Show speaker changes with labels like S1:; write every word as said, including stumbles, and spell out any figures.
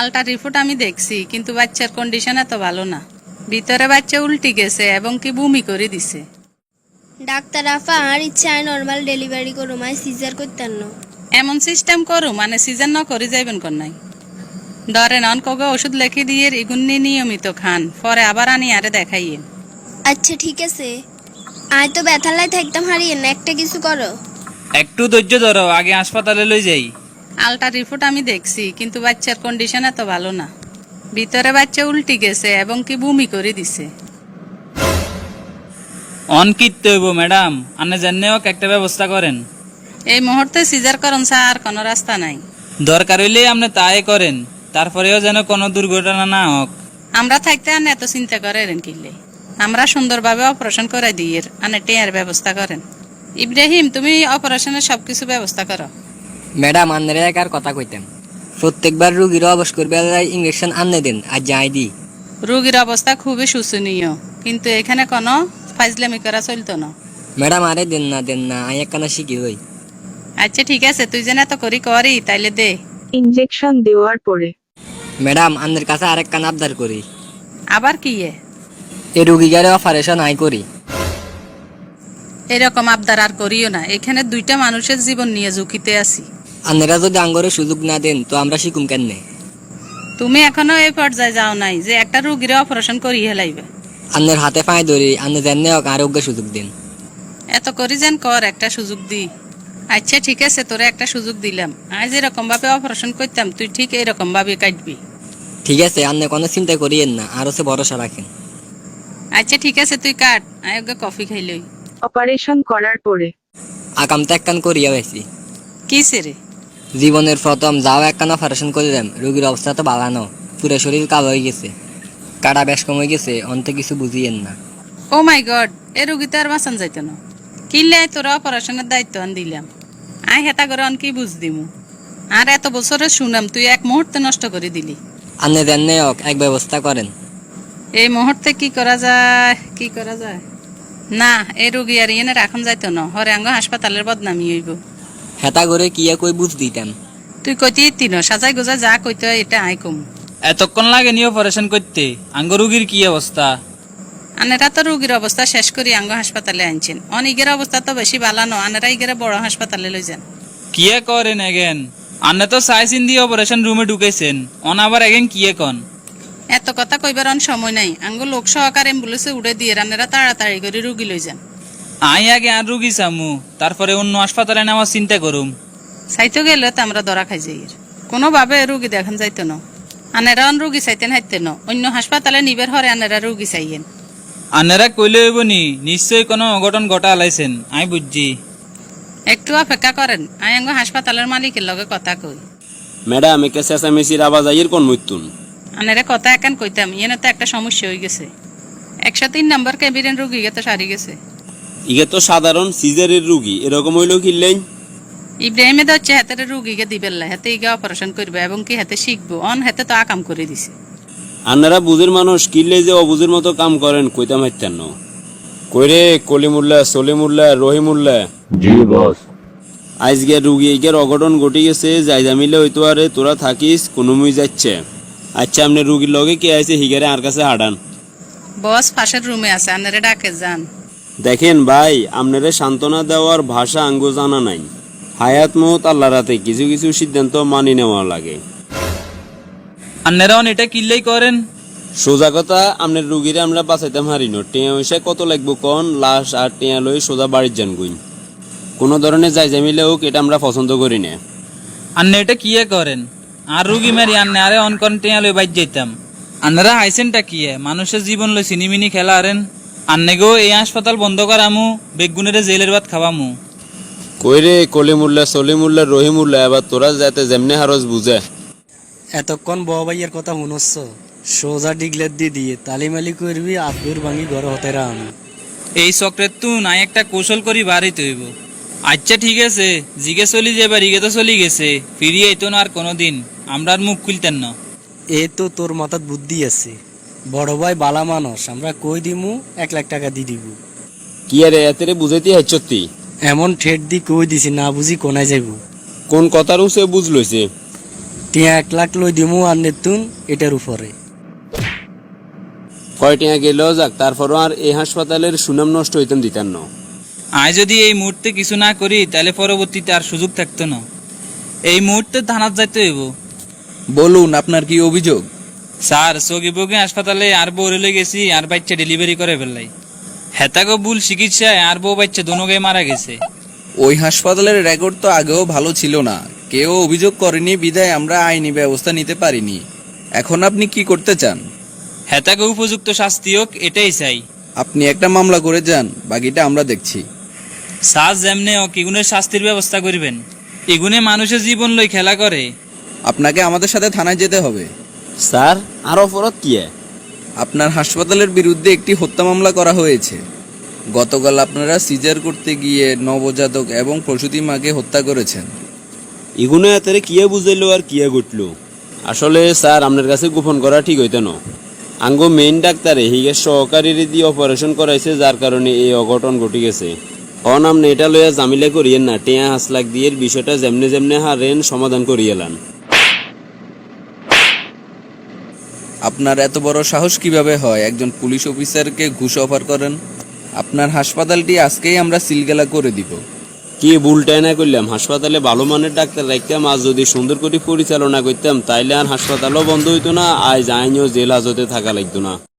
S1: Ultra report আমি দেখছি, কিন্তু বাচ্চার কন্ডিশন এত ভালো না। ভিতরে বাচ্চা উল্টি গেছে এবং কি বমি করে দিছে।
S2: ডাক্তার আফা আর ইচ্ছায় নর্মাল ডেলিভারি করুম, আই সিজার করতেন না।
S1: এমন সিস্টেম করু মানে সিজন ন করে যাইবেন কোন নাই। ধরেন অনকগে ওষুধ লেখি দিয়ে ইগুন্নি নিয়মিত খান, পরে আবার আনি আরে দেখাইয়েন।
S2: আচ্ছা ঠিক আছে, আয় তো ব্যথালাই থাকতাম হারিয়ে না, একটা কিছু করো।
S3: একটু ধৈর্য ধরো, আগে হাসপাতালে লই যাই।
S1: আল্ট্রা রিপোর্ট আমি দেখছি, কিন্তু বাচ্চার কন্ডিশন এত ভালো না। ভিতরে বাচ্চা উল্টি গেছে এবং কি বমি করে দিছে।
S3: অন কিনতে হইব ম্যাডাম, আনে জানে হোক একটা ব্যবস্থা করেন।
S1: এই মুহূর্তে সিজার করুন স্যার, কোনো রাস্তা নাই।
S3: দরকার হইলে আপনি তাই করেন, তারপরেও যেন কোনো দুর্ঘটনা না হোক।
S1: আমরা থাকতে আনে এত চিন্তা করেন কিনলে, আমরা সুন্দরভাবে অপারেশন করে দিই, আনে টেয়ার ব্যবস্থা করেন। ইব্রাহিম, তুমি অপারেশনের সবকিছু ব্যবস্থা করো।
S4: ম্যাডাম আন্নারে একার কথা কইতাম, প্রত্যেকবার রুগীর অবশ করবে ইঞ্জেকশন আননে দেন আর যাই দি।
S1: রোগীর অবস্থা খুবই শোচনীয়, কিন্তু এখানে কোনো ফাইজলামি করা চলতো না।
S4: ম্যাডাম আরে দেন না দেন না, আই একখানা শিখি হই।
S1: আচ্ছা ঠিক আছে, তুই যেন এত করি করি তাইলে দে।
S5: ইনজেকশন দেওয়ার পরে
S4: ম্যাডাম আন্নের কাছে আরেকখান আবদার করি,
S1: আবার কি এ?
S4: এই রুগীগারে অপারেশন আই করি।
S1: এরকম আবদার আর করিও না, এখানে দুইটা মানুষের জীবন নিয়ে ঝুঁকিতে আছি।
S4: আন্নেরা যদি আঙ্গরে সুযোগ না দেন তো আমরা শিখুম কেননে।
S1: তুমি এখনো এই পর্যায়ে যাও নাই যে একটা রুগীর অপারেশন করি হেলাইবে।
S4: আন্নের হাতে পায়ে ধরি, আন্নে জানে হোক আরোগ্য সুযোগ দিন।
S1: এত করি যেন কর, একটা সুযোগ দি। আচ্ছা ঠিক আছে, তোরে একটা সুযোগ দিলাম। আজ যেরকম ভাবে অপারেশন করতাম তুই ঠিক এরকম ভাবে কাটবি।
S4: ঠিক আছে, আন্নে কোনো চিন্তা করিয়েন না, আর হচ্ছে ভরসা রাখেন।
S1: আচ্ছা ঠিক আছে, তুই কাট, আয়োগে কফি খাইলই।
S5: অপারেশন করার পরে
S4: আকাম তো একখান করিয়া হয়েছি।
S1: কি সেরে?
S4: জীবনের প্রথম যাও একখান অপারেশন করলাম, রুগীর অবস্থা তো বালানো, পুরো শরীর কালো হয়ে গেছে, কাটা বেশ কমে গেছে, অন্তে কিছু বুঝিয়েন না।
S1: ও মাই গড, এ রুগী তো আর বাঁচান যাইত না। কিনলে তোরা অপারেশনের দায়িত্ব আন দিলাম, আয় হেতা করে অন কি বুঝ দিমু। আর এত বছরে শুনাম তুই এক মুহূর্তে নষ্ট করে দিলি।
S4: আন্নে জানে হোক এক ব্যবস্থা করেন।
S1: এই মুহূর্তে কি করা যায়, কি করা যায়? না, এই রোগী আর ইয়েনে রাখন যাইতো না, হরেঙ্গ হাসপাতালের বদনামি হইব।
S4: হেতা করে কি কই বুঝ দিতাম।
S1: তুই কইতে তিন সাজাই গোজা যা কইতে হয় এটা আই কম।
S3: এতক্ষণ লাগে নি অপারেশন করতে? আঙ্গ রুগীর কি অবস্থা?
S1: আনেরা তো রোগীর অবস্থা শেষ করি আঙ্গ হাসপাতালে আনছেন, অনিগের অবস্থা তো বেশি বালানো, আনেরা ইগেরা বড় হাসপাতালে লই যান।
S3: কিয়ে করেন এগেন? আন্নে তো সাইসিন দিয়ে অপারেশন রুমে ঢুকেছেন, অন আবার এগেন কিয়ে কন?
S1: এত কথা কইবার অন সময় নাই, আঙ্গ লোক সহকার অ্যাম্বুলেন্সে উড়ে দিয়ে আনেরা তাড়াতাড়ি করে রুগী লই যান।
S3: আই আগে আর রুগী চামু, তারপরে অন্য হাসপাতালে নেওয়ার চিন্তা করুম।
S1: চাইতে গেলে তো আমরা ধরা খাই যাই, কোনোভাবে রুগী দেখান যাইতো না। আনেরা অন রুগী চাইতেন হাইতে ন, অন্য হাসপাতালে নিবের হরে আনেরা রুগী চাইয়েন।
S3: আন্নেরা কইলে হইব নি, নিশ্চয়ই কোনো অঘটন ঘটা আলাইছেন, আই বুঝছি।
S1: একটু অপেক্ষা করেন, আই আঙ্গ হাসপাতালের মালিকের লগে কথা কই।
S6: ম্যাডাম একে চেঁচামেচির আওয়াজ আইয়ের কোন মৃত্যুন?
S1: আনেরা কথা একান কইতাম, ইয়েনে তো একটা সমস্যা হয়ে গেছে। একশো তিন নম্বর ক্যাবিনের রুগী তো সারি গেছে।
S6: ইগে তো সাধারণ সিজারের রুগী, এরকম হইলেও কিনলেন?
S1: ইব্রাহিমে তো হচ্ছে হাতের রুগীকে দিবেল্লা, হাতে ইগে অপারেশন করবে এবং কি হাতে শিখবো, অন হাতে তো আকাম করে দিছে।
S6: আপনারা বুঝের মানুষ কিনলে যে অবুঝের মতো কাম করেন কইতাম হাইতেন না। কইরে কলিমুল্লা সলিমুল্লা রহিমুল্লা।
S7: জি বস।
S6: আজকে রুগী ইগের অঘটন ঘটে গেছে, যাইজা মিলে হইতো আরে তোরা থাকিস কোনো মুই যাচ্ছে। আচ্ছা আপনি রুগীর লগে কে আছে হিগারে আর কাছে হাঁটান।
S1: বস পাশের রুমে আছে, আনারে ডাকে যান।
S6: দেখেন ভাই, আপনারে সান্ত্বনা দেওয়ার ভাষা আঙ্গো জানা নাই। হায়াত মত আল্লাহ রাতে কিছু কিছু সিদ্ধান্ত মানি নেওয়া লাগে।
S3: আন্নেরা অন এটা কিল্লেই করেন?
S6: সোজা কথা, আপনার রুগীরে আমরা বাঁচাইতাম হারিনো, টিয়া পয়সা কত লাগবো কন, লাশ আর টিয়া লই সোজা বাড়ির যান গুইন। কোনো ধরনের যাই জামিলে হোক এটা আমরা পছন্দ করি না।
S3: আন্নে এটা কিয়ে করেন? আর রুগী মারি আন্নে আরে অন কন টেয়া লই বাইর যাইতাম। আন্নারা হাইসেনটা কিয়ে? মানুষের জীবন লই সিনিমিনি খেলা আরেন। আন্নে গো এই হাসপাতাল বন্ধ করামু, বেগুনের জেলের ভাত খাওয়ামু।
S6: কইরে কলিমুল্লা সলিমুল্লা রহিমুল্লা, এবার তোরা যাতে যেমনে হারস বুঝে।
S8: এতক্ষণ বউ ভাইয়ের কথা শুনছ, সোজা ডিগলের দি দিয়ে তালিমালি করবি, আব্দুর ভাঙি ঘর হতে আমি।
S3: এই চক্রের তু নাই একটা কৌশল করি বাড়ি তৈব। আচ্ছা ঠিক আছে, জিগে চলি যাবার ইগে তো চলি গেছে, ফিরিয়ে আইতো না আর কোনোদিন, আমরা আর মুখ খুলতেন না।
S8: এ তো তোর মাথাত বুদ্ধি আছে, বড় ভাই বালা মানুষ, আমরা কই দিমু এক লাখ টাকা দি দিব।
S6: কি আরে এতে বুঝাইতে হাইছতি?
S8: এমন ঠেট দি কই দিছি, না বুঝি কোনায় যাইব।
S6: কোন কথার সে বুঝ লইছে?
S8: টিয়া এক লাখ লই দিমু আর নেতুন এটার উপরে।
S6: কয় টিয়া গেলেও যাক, তারপরও আর এই হাসপাতালের সুনাম নষ্ট হইতাম দিতাম না।
S3: আয় যদি এই মুহূর্তে কিছু না করি তাহলে পরবর্তীতে আর সুযোগ থাকতো না। এই মুহূর্তে থানার যাইতে হইব।
S7: বলুন আপনার কি অভিযোগ?
S3: স্যার সগিবগে হাসপাতালে আর বউ রেলে গেছি আর বাচ্চা ডেলিভারি করে ফেললাই। হেতাগো ভুল চিকিৎসায় আর বউ বাচ্চা দোনোগে মারা গেছে।
S7: ওই হাসপাতালের রেকর্ড তো আগেও ভালো ছিল না, কেউ অভিযোগ করেনি বিধায় আমরা আইনি ব্যবস্থা নিতে পারিনি। এখন আপনি কি করতে চান?
S3: হেতাগো উপযুক্ত শাস্তি হোক এটাই চাই।
S7: আপনি একটা মামলা করে যান, বাকিটা আমরা দেখছি।
S3: স্যার যেমনে হোক এগুনের শাস্তির ব্যবস্থা করবেন। এগুনে মানুষের জীবন লই খেলা করে।
S7: আপনাকে আমাদের সাথে থানায় যেতে হবে।
S6: স্যার আর অপরাধ কি?
S7: আপনার হাসপাতালের বিরুদ্ধে একটি হত্যা মামলা করা হয়েছে। গতকাল আপনারা সিজার করতে গিয়ে নবজাতক এবং প্রসূতি মাকে হত্যা করেছেন।
S6: এগুলো এতে কিয়া বুঝাইলো আর কিয়া ঘটলো? আসলে স্যার আপনার কাছে গোপন করা ঠিক হইতো না। আঙ্গো মেইন ডাক্তারে হিগের সহকারীর দিয়ে অপারেশন করাইছে, যার কারণে এই অঘটন ঘটে গেছে। অন আপনি এটা লইয়া জামিলা করিয়েন না, টেয়া হাঁস লাখ দিয়ে বিষয়টা যেমনে যেমনে হারেন সমাধান করিয়েলান।
S7: আপনার এত বড় সাহস কিভাবে হয় একজন পুলিশ অফিসারকে ঘুষ অফার করেন? আপনার হাসপাতালটি আজকেই আমরা সিলগালা করে দিব।
S6: কি ভুলটাই না করলাম, হাসপাতালে ভালো মানের ডাক্তার রাখতাম, আজ যদি সুন্দর করে পরিচালনা করতাম তাইলে আর হাসপাতালও বন্ধ হইতো না, আজ আইনও জেল হাজতে থাকা লাগতো না।